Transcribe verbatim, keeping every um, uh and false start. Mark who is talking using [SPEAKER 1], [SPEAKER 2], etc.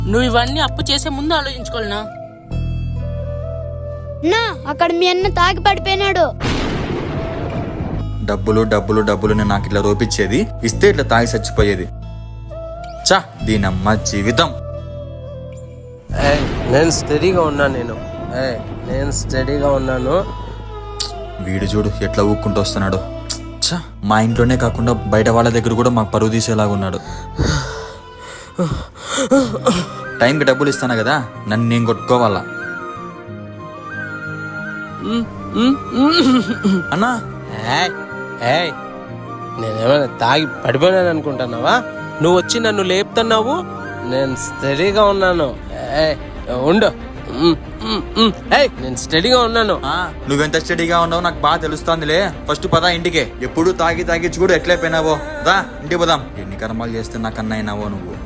[SPEAKER 1] నువ్వు ఇవన్నీ అప్పు చేసే ముందు ఆలోచించుకోవాలనా?
[SPEAKER 2] నా అక్కడ మీ అన్న తాగి పడిపోయినాడు.
[SPEAKER 3] డబ్బులు డబ్బులు డబ్బులు నేను నాకు ఇట్లా రోపించేది, ఇస్తే ఇట్లా తాగి చచ్చిపోయేది. చా దీనమ్మ జీవితం.
[SPEAKER 4] నేను స్టడీగా ఉన్నాను. నేను నేను స్టడీగా ఉన్నాను.
[SPEAKER 3] వీడు చూడు ఎట్లా ఊక్కుంటూ వస్తున్నాడు. చా మా ఇంట్లోనే కాకుండా బయట వాళ్ళ దగ్గర కూడా మాకు పరువు తీసేలాగా ఉన్నాడు. టైంకి డబ్బులు ఇస్తాను కదా, నన్ను నేను కొట్టుకోవాలా అన్నా?
[SPEAKER 4] నేనేమైనా తాగి పడిపోయినాను అనుకుంటున్నావా? నువ్వు వచ్చి నన్ను లేపుతున్నావు. నేను స్టడీగా ఉన్నాను. ఉండు, నేను స్టడీగా ఉన్నాను.
[SPEAKER 3] నువ్వెంత స్టడీగా ఉన్నావు నాకు బాగా తెలుస్తాందిలే. ఫస్ట్ పదా ఇంటికే. ఎప్పుడు తాగి తాగిచ్చి కూడా ఎట్లయిపోయినావో దా ఇంటికి పోదాం. ఎన్ని కర్మాలు చేస్తే నాకు అన్న అయినావో నువ్వు.